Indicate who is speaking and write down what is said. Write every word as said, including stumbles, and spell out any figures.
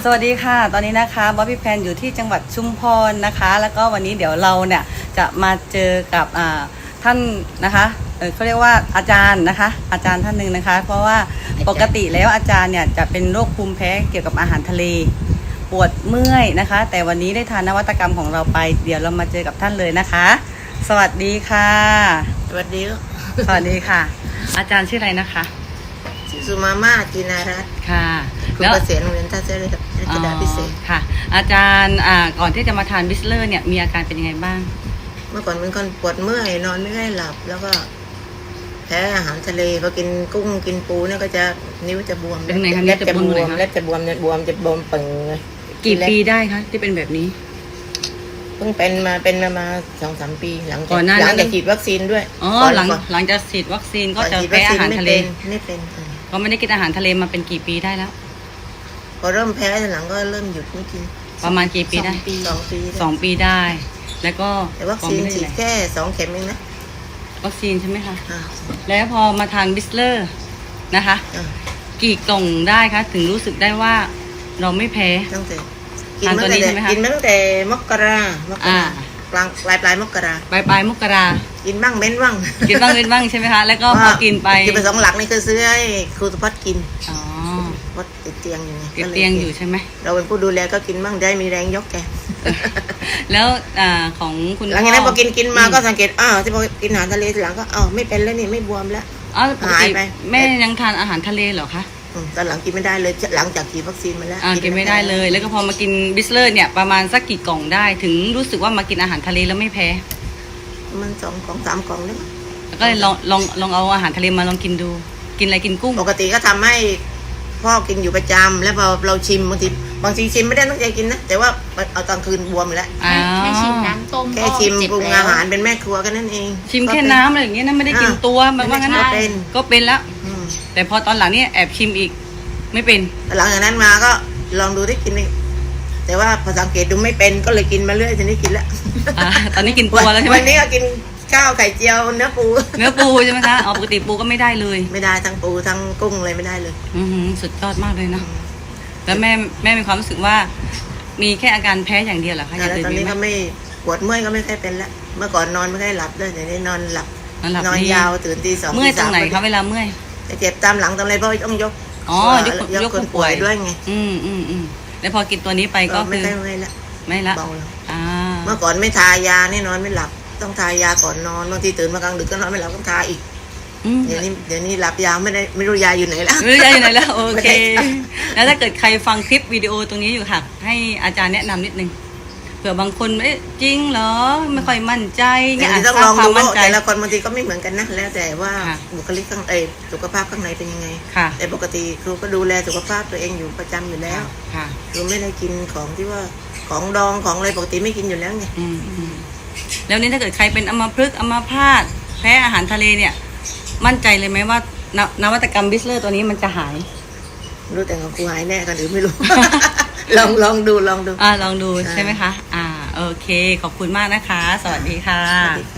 Speaker 1: สวัสดีค่ะตอนนี้นะคะบ๊อบบี้แพนอยู่ที่จังหวัดชุมพรนะคะแล้วก็วันนี้เดี๋ยวเราเนี่ยจะมาเจอกับท่านนะคะเออเขาเรียกว่าอาจารย์นะคะอาจารย์ท่านหนึ่งนะคะเพราะว่าปกติแล้วอาจารย์เนี่ยจะเป็นโรคภูมิแพ้เกี่ยวกับอาหารทะเลปวดเมื่อยนะคะแต่วันนี้ได้ทานนวัตกรรมของเราไปเดี๋ยวเรามาเจอกับท่านเลยนะคะสวัสดีค่ะ
Speaker 2: สวัสดี
Speaker 1: สวัสดีค่ะอาจารย์ชื่ออะไรนะคะ
Speaker 2: ชื่อสุมาม่าจินารัตน์
Speaker 1: ค่ะ
Speaker 2: ครูเกษียณโรงเรียนท่าเรือรัชดาพิเศษ
Speaker 1: ค่ะอาจารย์ก่อนที่จะมาทานบิสเลอร์เนี่ยมีอาการเป็นยังไงบ้าง
Speaker 2: เมื่อก่อนเป็นคนปวดเมื่อยนอนไม่ได้หลับแล้วก็แพ้อาหารทะเลพอกินกุ้งกินปูเนี่ยก็จะนิ้วจะบวม
Speaker 1: เป็นไงคะเล็บจะบวม
Speaker 2: เล็บจะบวมเนี่ยบวมจะบวมปึงเลย
Speaker 1: กี่ปีได้คะที่เป็นแบบนี้
Speaker 2: เพิ่งเป็นมาเป็นมามาสองสามปีหลังจากหลังจากฉีดวัคซีนด้วย
Speaker 1: อ๋อหลังหลังจากฉีดวัคซีนก็จะแพ้อาหารทะเล
Speaker 2: ไม่เป็น
Speaker 1: ก็ไม่ได้กินอาหารทะเลมาเป็นกี่ปีได้แล้ว
Speaker 2: พอเริ่มแพ้หลังก็เริ่มหยุดไม่กิน
Speaker 1: ประมาณกี่ปีได้
Speaker 2: สองปี
Speaker 1: สองปีได้แล้วก็
Speaker 2: แต่วัคซีนฉีดแค่สองเข็มเองนะ
Speaker 1: วัคซีนใช่ไหมคะแล้วพอมาทานบิสเลอร์นะคะกี่กล่องได้คะถึงรู้สึกได้ว่าเราไม่แพ้
Speaker 2: ตั้งแต่กินมาตั้งแต่กินมาตั้งแต่มกรามกรากลางปลายปลายมกรา
Speaker 1: ปลายปลายมกรา
Speaker 2: กินบ้างเม้นบ้าง
Speaker 1: กินบ้างเม้นบ้างใช่ไหมคะแล้วก็พอกินไป
Speaker 2: กินไปสองหลักนี่คือซื้อให้ครูสุพัฒน์กิน
Speaker 1: อ๋อ
Speaker 2: วัดติดเตียงอยู่ไง
Speaker 1: ติดเตียงอยู่ใช่ไหม
Speaker 2: เราเป็นผู้ดูแลก็กินบ้างได้มีแรงยกแก
Speaker 1: แล้วอ่าของคุณ
Speaker 2: หลังจากนั้นพอกินกินมาก็สังเกตอ้าวที่พอกินอาหารทะเลทีหลังก็อ้าวไม่เป็นแล้วนี่ไม่บวมแล้ว
Speaker 1: หายไปแม่ยังทานอาหารทะเลเหรอคะ
Speaker 2: ตอนหลังกินไม่ได้เลยหลังจากฉีดวัคซีนมาแล้ว
Speaker 1: กินไม่ได้เลยแล้วก็พอมากินบิสเลอร์เนี่ยประมาณสักกี่กล่องได้ถึงรู้สึกว่ามากินอาหารทะเลแล้วไม่แพ้
Speaker 2: มันสองกล่องสามกล่องนี่
Speaker 1: แล้วก็เลยลองลองลองเอาอาหารทะเลมาลองกินดูกินอะไรกินกุ้ง
Speaker 2: ปกติก็ทำให้พ่อกินอยู่ประจำแล้วพอเราชิมบางทีบางทีชิมไม่ได้ตั้งใจกินนะแต่ว่าเอาตอนคืนบวมแล้ว
Speaker 3: แค่ชิมน้ำต้ม
Speaker 2: แค่ชิมปรุงอาหารเป็นแม่ครัวกันนั่นเอง
Speaker 1: ชิมแค่น้ำอะไรอย่างเงี้ยนะไม่ได้กินตัวแบบว่างั้นนะก็เป็นแล้วแต่พอตอนหลังนี่แอบชิมอีกไม่เป็น
Speaker 2: หลังจากนั้นมาก็ลองดูได้กินแต่ว่าพอสังเกตดูไม่เป็นก็เลยกินมาเรื่อยทีนี้กินแล้ว
Speaker 1: ตอนนี้กินตัวแล้วใช่ไหม
Speaker 2: วันนี้ก็กินข้าวไข่เจียวเนื้อปู
Speaker 1: เนื้อปูใช่ไหมคะอ๋อปกติปูก็ไม่ได้เลย
Speaker 2: ไม่ได้ทั้งปูทั้งกุ้งเลยไม่ได้เลย
Speaker 1: อือสุดยอดมากเลยนะแล้วแม่แม่มีความรู้สึกว่ามีแค่อาการแพ้อย่างเดียวเหรอคะ
Speaker 2: ตอนนี้ก็ไม่ปวดเมื่อยก็ไม่ค่อยเป็นแล้วเมื่อก่อนนอนไม่ค่อยหลับด้วยแต่นี้นอนหลับนอนยาวตื่นตีสอง
Speaker 1: เมื่อยตรงไหนคะเวลาเมื่อย
Speaker 2: เจ็บตามหลังตามอะไรเพราะต้องยก
Speaker 1: อ๋อยกยกคนป่วย
Speaker 2: ด้วยไง
Speaker 1: อืมอืมอืมแล้วพอกินตัวนี้ไปก็
Speaker 2: คือไม่ไม่ละ
Speaker 1: ไม่ละ
Speaker 2: เบาแล้วเมื่อก่อนไม่ทายานี่นอนไม่หลับต้องทายาก่อนนอนบางทีตื่นมากลางดึกก็นอนไม่หลับต้องทาอีกเดี๋ยวนี้เดี๋ยวนี้หลับยาไม่ได้ไม่รู้ยาอยู่ไหนแล้ว
Speaker 1: ไม่รู้ยาอยู่ไหนแล้วโอเคแล้วถ้าเกิดใครฟังคลิปวิดีโอตรงนี้อยู่ค่ะให้อาจารย์แนะนำนิดนึงเผื่อบางคนเอ๊ะจริงเหรอไม่ค่อยมั่นใจ
Speaker 2: อย่างนี้ต้องลองดูแต่ละคนบางทีก็ไม่เหมือนกันนะแล้วแต่ว่าบุคลิกข้างในสุขภาพข้างในเป็นยังไงแต่ปกติครูก็ดูแลสุขภาพตัวเองอยู่ประจำอยู่แล้วครูไม่ได้กินของที่ว่าของดองของอะไรปกติไม่กินอยู่แล้วไง
Speaker 1: แล้วนี่ถ้าเกิดใครเป็นอัมพฤกษ์อัมพาตแพ้อาหารทะเลเนี่ยมั่นใจเลยไหมว่านวัตกรรมบิสเลอร์ตัวนี้มันจะหาย
Speaker 2: รู้แต่ของครูหายแน่กันหรือไม่รู้ ลองลองดูลองดู
Speaker 1: อ่าลองดูใช่ไหมคะอ่าโอเคขอบคุณมากนะคะสวัสดีค่ะ